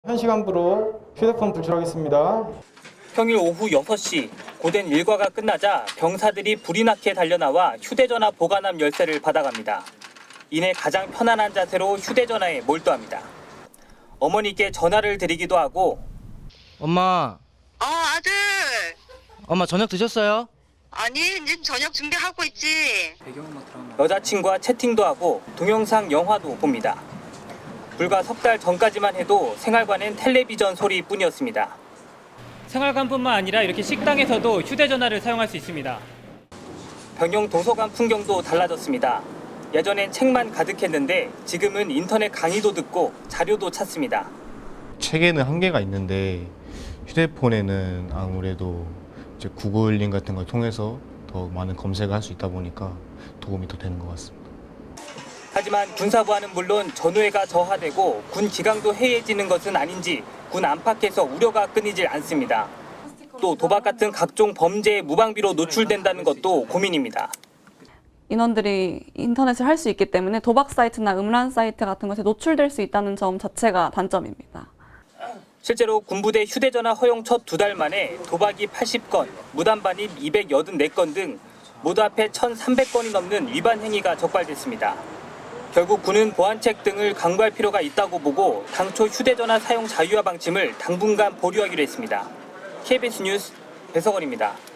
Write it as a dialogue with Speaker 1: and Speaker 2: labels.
Speaker 1: 현 시간부로 휴대폰 불출하겠습니다.
Speaker 2: 평일 오후 6시 고된 일과가 끝나자 병사들이 불이 나게 달려나와 휴대전화 보관함 열쇠를 받아갑니다. 이내 가장 편안한 자세로 휴대전화에 몰두합니다. 어머니께 전화를 드리기도 하고
Speaker 3: 엄마,
Speaker 4: 아들.
Speaker 3: 엄마 저녁 드셨어요?
Speaker 4: 아니, 이제 저녁 준비하고 있지.
Speaker 2: 여자친구와 채팅도 하고 동영상 영화도 봅니다. 불과 석 달 전까지만 해도 생활관엔 텔레비전 소리뿐이었습니다.
Speaker 5: 생활관뿐만 아니라 이렇게 식당에서도 휴대전화를 사용할 수 있습니다.
Speaker 2: 병영 도서관 풍경도 달라졌습니다. 예전엔 책만 가득했는데 지금은 인터넷 강의도 듣고 자료도 찾습니다.
Speaker 6: 책에는 한계가 있는데 휴대폰에는 아무래도 이제 구글링 같은 걸 통해서 더 많은 검색을 할 수 있다 보니까 도움이 더 되는 것 같습니다.
Speaker 2: 하지만 군사부와는 물론 전우회가 저하되고 군 기강도 해이해지는 것은 아닌지 군 안팎에서 우려가 끊이질 않습니다. 또 도박 같은 각종 범죄의 무방비로 노출된다는 것도 고민입니다.
Speaker 7: 인원들이 인터넷을 할 수 있기 때문에 도박 사이트나 음란 사이트 같은 것에 노출될 수 있다는 점 자체가 단점입니다.
Speaker 2: 실제로 군부대 휴대전화 허용 첫 2달 만에 도박이 80건, 무단반입 284건 등 모두 합해 1,300건이 넘는 위반 행위가 적발됐습니다. 결국 군은 보안책 등을 강구할 필요가 있다고 보고 당초 휴대전화 사용 자유화 방침을 당분간 보류하기로 했습니다. KBS 뉴스 배석원입니다.